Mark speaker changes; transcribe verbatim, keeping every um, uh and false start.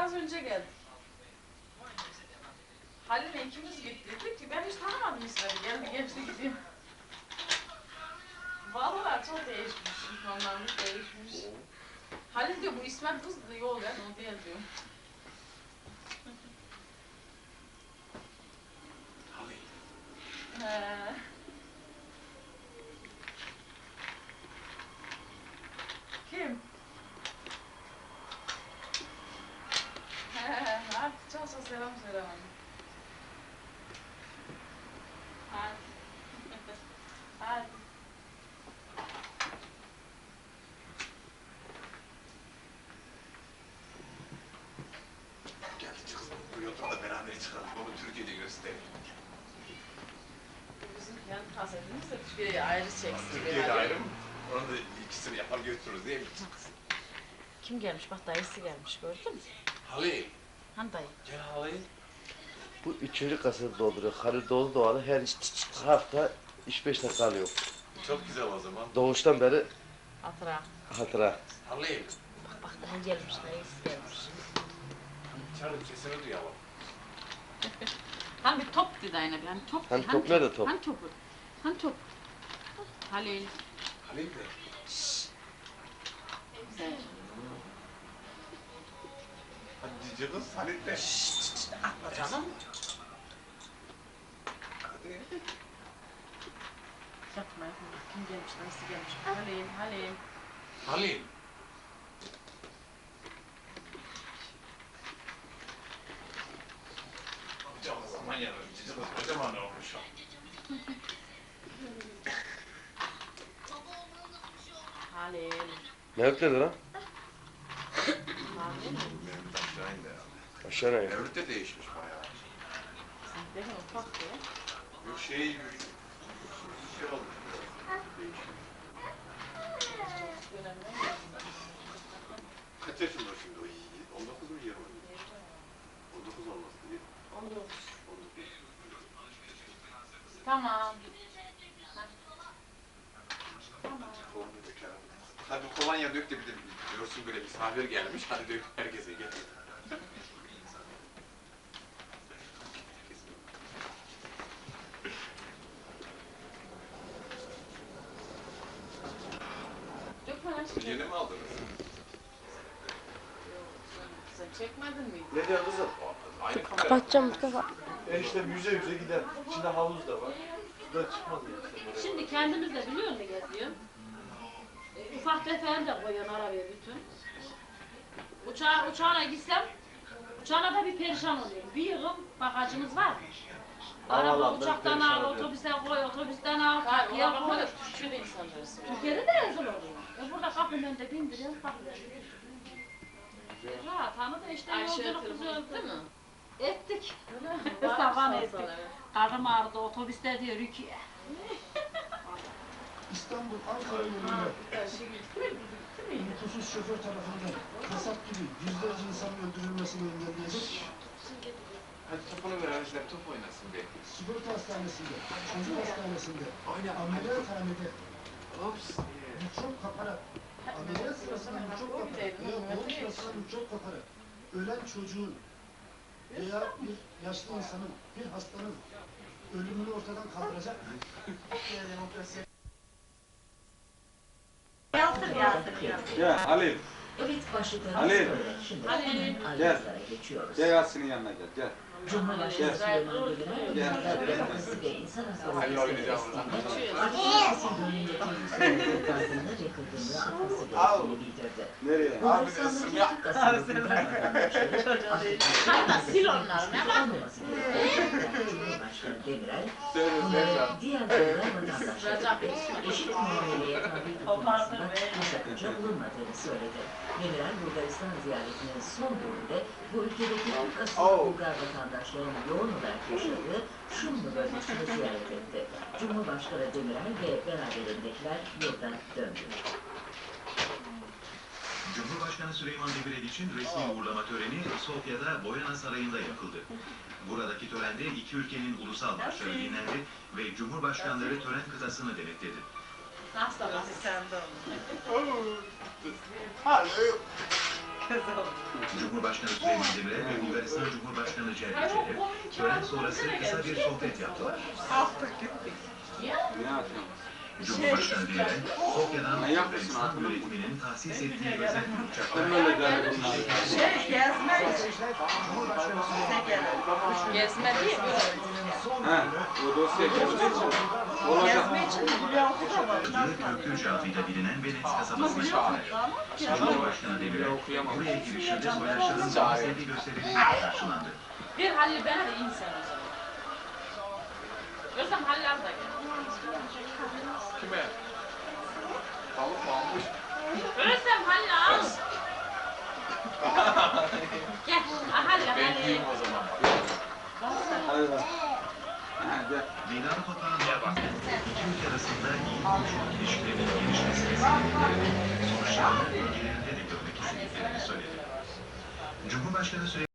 Speaker 1: az önce geldik. Halil'le ikimiz gittik. Dedik ki ben hiç tanımadım İsmet'i. Geldi geçti gidiyor. Vallahi çok değişmiş. İnsanlarımız değişmiş. Halil diyor bu İsmet kız diyor. Yol ya o değil diyor.
Speaker 2: Halil.
Speaker 1: He. Kim? He, hadi çalsa selam söyle bana. Hadi. Hadi.
Speaker 2: Geldi kızım. Bu yolda da beraber çıkalım. Onu Türkiye'de gösterelim.
Speaker 1: Bizim kendi kasetimiz de Türkiye'ye ayrı çeksin.
Speaker 2: Türkiye'de ayrı mı? Onu da ikisini yapar götürürüz değil mi?
Speaker 1: Kim gelmiş? Bak dayısı gelmiş gördün mü?
Speaker 2: Halil.
Speaker 1: Hani dayı?
Speaker 2: Gel Halil.
Speaker 3: Bu üçüncü kaseti dolduruyor. Halil Doğulu doğalı her hafta üç beş dakika alıyor.
Speaker 2: Çok güzel o zaman.
Speaker 3: Doğuştan beri
Speaker 1: Hatıra.
Speaker 3: hatıra.
Speaker 2: Halil.
Speaker 1: Bak bak dayı gelmiş, dayısı gelmiş.
Speaker 2: Çağırın sesini duyalım.
Speaker 1: Hani bir top dedi aynen. Hani top.
Speaker 3: Hani top nerede top?
Speaker 1: Hani topu? Hani top? Halil.
Speaker 2: Halil de.
Speaker 1: Güzel.
Speaker 2: Hadi cici kız Halil de.
Speaker 1: Şşşt atma canım.
Speaker 2: Hadi.
Speaker 1: Yapma yapma. Kim gelmiş, dayısı gelmiş. Halil, Halil.
Speaker 2: Halil. Kocaman zaman yanır. Cici kız kocaman olmuş o.
Speaker 1: Halil.
Speaker 3: Mevlüt nerede lan?
Speaker 1: Halil mi?
Speaker 2: Benim aşağı indi herhalde.
Speaker 3: Aşağı ne?
Speaker 2: Mevlüt de değişmiş bayağı.
Speaker 1: Değil mi? Ufak diye.
Speaker 2: Yok şey, şey olmuş. Değişmiş. Kaç yaşında şimdi o yiğit? on dokuz mu yirmi? on dokuz olmasın değil mi?
Speaker 1: on dokuz.
Speaker 2: on dokuz.
Speaker 1: Tamam. Tamam.
Speaker 2: Kolonya döker. Hadi kolonya dök de bir de görsün böyle misafir gelmiş. Hadi dök herkese gel.
Speaker 1: Dökme lan şimdi.
Speaker 2: Yeni mi aldınız?
Speaker 1: Sen çekmedin mi?
Speaker 3: Ne diyor kızım?
Speaker 2: Aynı kamera.
Speaker 4: Kapatacağım Mustafa.
Speaker 3: E işte yüze yüze gider. İçinde havuz da var. Suda çıkmaz ya.
Speaker 5: Şimdi kendimiz de biliyor musun geziyor? E, ufak tefeğini de koyuyorsun arabaya bütün. Uçağa, uçağına gitsem, uçağına da bir perişan oluyorum. Bir yığım bagajımız var. Araba
Speaker 3: Havalandı,
Speaker 5: uçaktan
Speaker 3: perişan
Speaker 5: al,
Speaker 3: oluyor.
Speaker 5: otobüse koy, otobüsten al,
Speaker 1: Hayır,
Speaker 5: kapıya
Speaker 1: ona
Speaker 5: koy.
Speaker 1: bakma da Türkiye'de insanları seviyor.
Speaker 5: Türkiye'de de rezil oluyor. E burada kapının önünde bindiriyorum, kapıya. E, rahat, hanı da işte
Speaker 1: Ayşe
Speaker 5: yolculuk
Speaker 1: telefonu
Speaker 5: güzel
Speaker 1: etti mi?
Speaker 5: Ettik.
Speaker 1: Öyle mi?
Speaker 5: Sabah
Speaker 1: Var mı
Speaker 5: ettik.
Speaker 1: sana, evet.
Speaker 5: Karnım ağrıdı, otobüste diyor Rukiye.
Speaker 6: İstanbul, Ankara yolunda
Speaker 1: Her şey gitti mi? Gitti mi?
Speaker 6: nüfusuz şoför tarafından kasap gibi yüzlerce insanın öldürülmesini engelleyecek
Speaker 2: Hadi topunu ver arkadaşlar top oynasın be.
Speaker 6: sigorta hastanesinde, çocuk hastanesinde,
Speaker 2: Aynen.
Speaker 6: ameliyathanede
Speaker 2: Ops.
Speaker 6: mikrop kaparak, ameliyat sırasında mikrop kaparak veya doğum sırasında mikrop kaparak ölen çocuğun veya bir yaşlı insanın, bir hastanın ölümünü ortadan kaldıracak
Speaker 1: Demokrasi.
Speaker 5: Yazdır yazdır yazdır.
Speaker 7: Gel Halil,
Speaker 8: Evet, başlıklarımız
Speaker 7: Halil.
Speaker 8: böyle. Şimdi
Speaker 5: Halil.
Speaker 8: hemen
Speaker 7: Gel.
Speaker 8: ayrıntılara geçiyoruz.
Speaker 7: gel Yasin'in yanına gel, gel.
Speaker 8: Cumhurbaşkanı
Speaker 7: Gel.
Speaker 8: Süleyman Demirel,
Speaker 7: Gel.
Speaker 8: Dünya Demokrasi ve İnsan Hakları
Speaker 2: Halil oynayacağım
Speaker 8: Zirvesi'nde
Speaker 2: oradan.
Speaker 8: Akşenes'in dönemindeki Müslüman toplantısında yakıldığını atması gerektiğini bildirdi.
Speaker 7: Nereye?
Speaker 2: Abi de
Speaker 8: Bulgaristan'ın
Speaker 2: ısım yap.
Speaker 8: Türk asıllı Bulgar vatandaşları
Speaker 1: Kanka sil onları ne bak.
Speaker 8: olmaması gerektiğini Cumhurbaşkanı Demirel,
Speaker 7: Söyle
Speaker 8: bunların
Speaker 7: Sevda.
Speaker 8: diğer Bulgar vatandaşları eşit muameleye tabi tutulmasında bir sakınca bulunmadığını söyledi. Demirel, Bulgaristan ziyaretinin son bölümünde bu ülkedeki Türk asıllı
Speaker 7: Oh.
Speaker 8: Bulgar vatandaşlarının yoğun olarak yaşadığı Şumlu bölgesini ziyaret etti. Cumhurbaşkanı Demirel ve beraberindekiler yurda döndü.
Speaker 9: Cumhurbaşkanı Süleyman Demirel için resmi uğurlama töreni Sofya'da Boyana Sarayı'nda yapıldı. Buradaki törende iki ülkenin ulusal marşları dinlendi ve Cumhurbaşkanları tören kıtasını denetledi.
Speaker 5: Hasta hasta.
Speaker 9: Cumhurbaşkanı Süleyman Demirel ve Bulgaristan Cumhurbaşkanı Cevdet Çelik tören sonrası kısa bir sohbet yaptılar.
Speaker 2: Ne yapıyorsun?
Speaker 9: Cumhurbaşkanı Demirel, Sofya'dan
Speaker 2: Manyak mısın,
Speaker 9: Bulgaristan
Speaker 2: hatırladın mı?
Speaker 9: yönetiminin tahsis ettiği özel bir uçakla
Speaker 2: Ben böyle derdim bunlar.
Speaker 1: Şey gezme. Gezme değil böyle.
Speaker 2: He, o dosya geçtiği için olacak.
Speaker 9: Köprücü adıyla bilinen Venedik kasabasına gittiler. Cumhurbaşkanı Demirel, buraya girişinde soydaşların sahasındaki gösterileri karşılandı.
Speaker 5: Bir Halil bana da insan o zaman. Özlem Halil abi da gel.
Speaker 2: Kime? Tavuk mu almış?
Speaker 5: Özlem Halil al. Gel. Ah, Halil
Speaker 2: Ben
Speaker 5: Halil.
Speaker 2: gideyim o zaman. Hadi bak. Hadi.
Speaker 9: Meydan toplantısına bak. İki ülke arasında iyi komşuluk ilişkilerinin gelişmesini sağlayarak sonuçlarını ülkelerinde de görmek istediklerini söyledi. Cumhurbaşkanı Süleyman